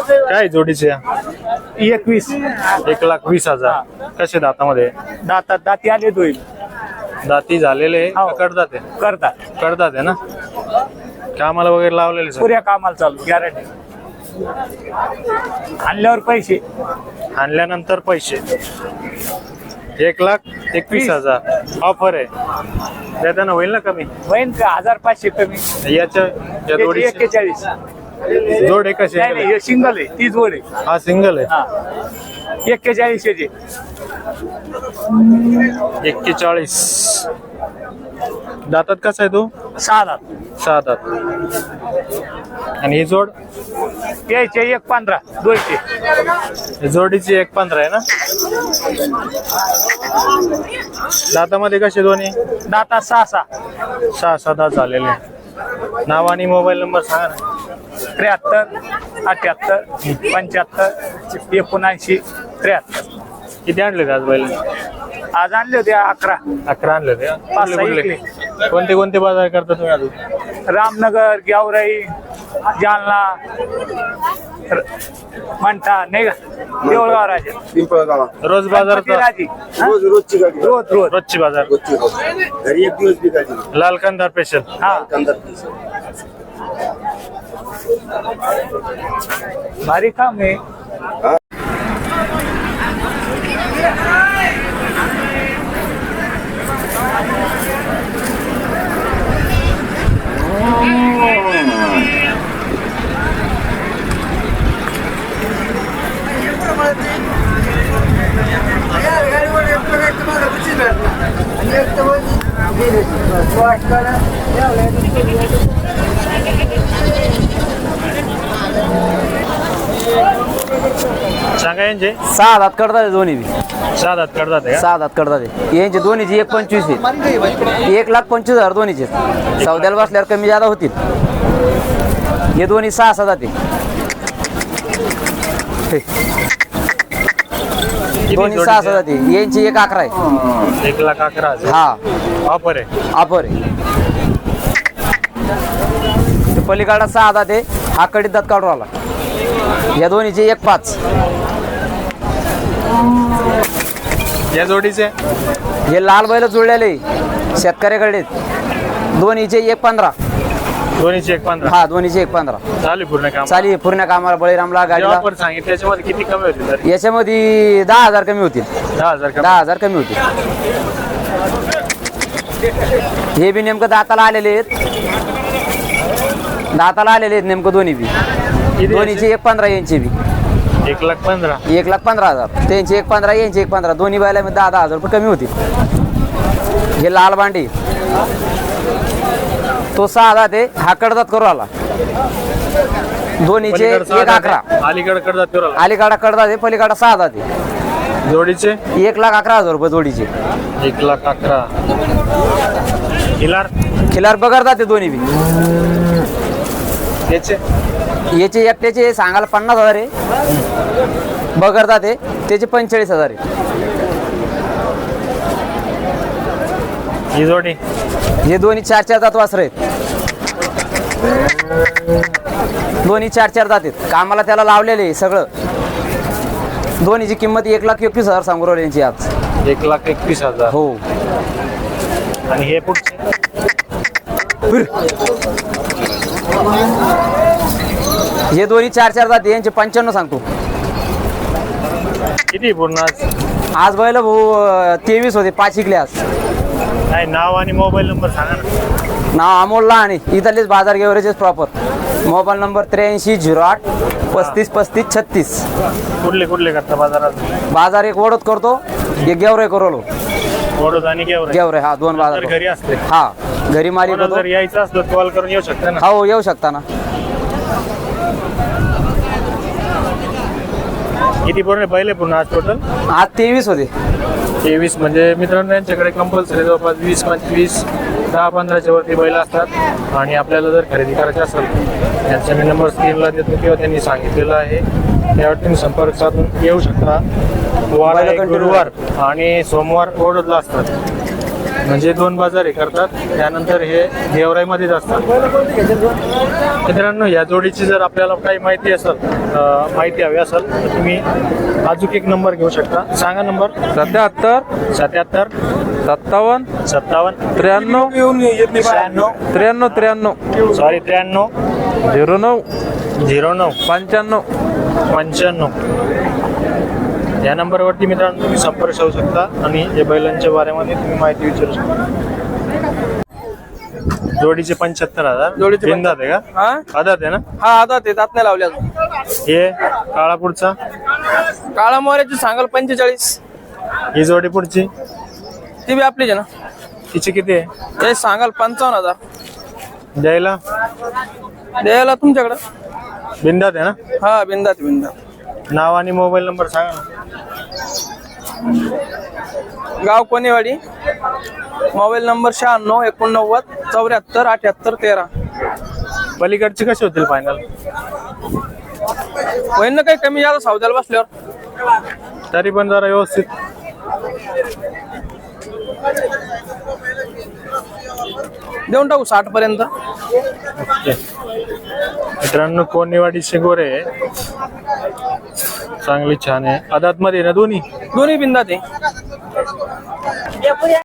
काय जोडीचे 21 1,20,000 कसे दातामध्ये दातात दाती आले दोन दाती झालेले हो. करतात ते करतात करतात आहे ना कामाला वगैरे लावलेले सर पुऱ्या कामाला चालू गॅरंटी आणल्यावर पैसे आणल्यानंतर पैसे 1,21,000 ऑफर आहे देताना होईल ना कमी होईन का 1,500 कमी या जोडी 41 जोड आहे कसे नाही नाही हे सिंगल आहे ती जोड आहे हा सिंगल आहे हा 41 चे 41 दातात कसा आहे तो 6 दात 6 दात आणि ही जोड यायचे 1,15 दोनशे जोडीची 1,15 आहे ना दातामध्ये कसे दोन्ही दातात 6 6 दात झालेले नाव आणि मोबाईल नंबर सांगा ना 73 78 75 79 73 किती आणले आज बैल आज आणले होते 11 आणले होते का? 5-6 कुठले इकले. कोणते बाजार करता तुम्ही अजून रामनगर गेवराई जालना म्हणता नाही का देऊळगाव राजा पिंपळगाव रोज बाजारात राजी रोजची गाडी रोज रोजची बाजार घरी एक दिवस बी गाडी लाल कंदार स्पेशल हा भारी काम आहे सांगा यांचे 6 दात करतात दोन्ही बी 6 दात करतात का 6 दात करतात यांचे दोन्हीची 1,25 आहे 1,25,000 दोन्हीचे सौद्याला बसल्यावर कमी जादा होतील हे दोन्ही 6 दात आहे दोन्ही 6 दात आहे यांची 1,11 आहे 1,11,000 हा ऑफर आहे ऑफर आहे पलीकडा 6 दात आहे हा कडीत दात काढून आला या दोन्हीचे 1,5 या जोडीचे हे लाल बैल जुळलेले शेतकऱ्याकडे दोन्हीचे 1,15 दोन्हीचे 1,15 हा दोन्हीचे 1,15 चालू पूर्ण काम चाली पूर्ण कामाला बळीरामला गाडीला ऑफर सांगितलं त्याच्यामध्ये किती कमी होतील तरी याच्यामध्ये 10,000 कमी होतील 10,000 कमी 10,000 कमी होतील हे बी नेमकं दाताला आलेले आहेत नेमकं दोन्ही बी दोन्हीचे 1,15 यांचे बी 1,15,000 1,15,000 त्यांचे 1,15 यांचे 1,15 दोन्ही बैलामध्ये 10,000 रुपये कमी होतील हे लाल भांडी तो 6 दात आहे हा कडदात करू आला दोन्हीचे 1,11 अलीकडे करतात तेवढं अलीकडा कडदात आहे पलीकडा 6 दात आहे जोडीचे 1,11,000 रुपये जोडीचे 1,11,000 खिलार बगरदात आहे दोन्ही बी याचे याचे एकट्याचे सांगायला 50,000 आहे बगरदात आहे त्याचे 45,000 आहे ही जोडी हे दोन्ही 4 दात वासर आहेत दोन्ही 4 दात आहेत कामाला त्याला लावलेले आहे सगळं दोन्हीची किंमत 1,21,000 सांगू राहिली यांची आज 1,21,000 हो आणि हे पुढचे हे दोन्ही 4 दात यांचे 95 सांगतो किती पूर्ण आज बैल भाऊ 23 होते 5 इकले आज नाही नाव आणि मोबाईल नंबर सांगा ना नाव अमोल आणि इथलेच बाजार गेवरेचेच प्रॉपर मोबाईल नंबर 8308 35 35 36 कुठले करता बाजारात बाजार एक ओढत करतो एक गेवरे करोलो वडोद आणि गेवरे हा 2 बाजार घरी असते हा घरी मालिक होतो जर यायचं असलं कॉल करून येऊ शकता ना हो येऊ शकता ना किती पूर्ण पहिले पूर्ण आज टोटल आज 23 होते 23 म्हणजे मित्रांनो यांच्याकडे कंपल्सरी जवळपास 20-25 10-15च्या वरती बैल असतात आणि आपल्याला जर खरेदी करायची असेल यांचा मी नंबर स्क्रीनला देतो किंवा त्यांनी सांगितलेला आहे त्यावर तुम्ही संपर्क साधून येऊ शकता वार गुरुवार आणि सोमवार ओढतला असतात म्हणजे 2 बाजार हे करतात. त्यानंतर हे गेवराईमध्येच असतात. मित्रांनो, या जोडीची जर आपल्याला काही माहिती माहिती हवी असेल तर तुम्ही अजून एक नंबर घेऊ शकता. सांगा नंबर. 77 77 57 57 93 96 93 93 सॉरी 93 09 09 95 95. या नंबरवरती मित्रांनो तुम्ही संपर्क साधू शकता आणि या बैलांच्या बारेमध्ये तुम्ही माहिती विचारू शकता. जोडीचे 75,000. जोडीचे बिनदात आहे का? हा आदात आहे ना? हा आता ते दात नाही लावले अजून. हे काळा पुढचा. काळा मोऱ्याची सांगाल 45. ही जोडी पुढची ती बी आपलीच आहे ना. तिची किती आहे? ते सांगाल 55,000. द्यायला द्यायला तुमच्याकडं. बिनदात आहे ना? हा बिंदात. नाव आणि मोबाईल नंबर सांगा ना. गाव कोणेवाडी. Mobile number 96 89 74 78 13. पलीकडचे कसे होतील फायनल? होईल ना काही कमी जादा सौद्याला बसल्यावर. तरी पण जरा व्यवस्थित. देऊन टाकू 60 पर्यंत. मित्रांनो, कोणेवाडी शिंगोरे चांगली छान आहे. आदात मध्ये ना दोन्ही दोन्ही बिंदात आहे.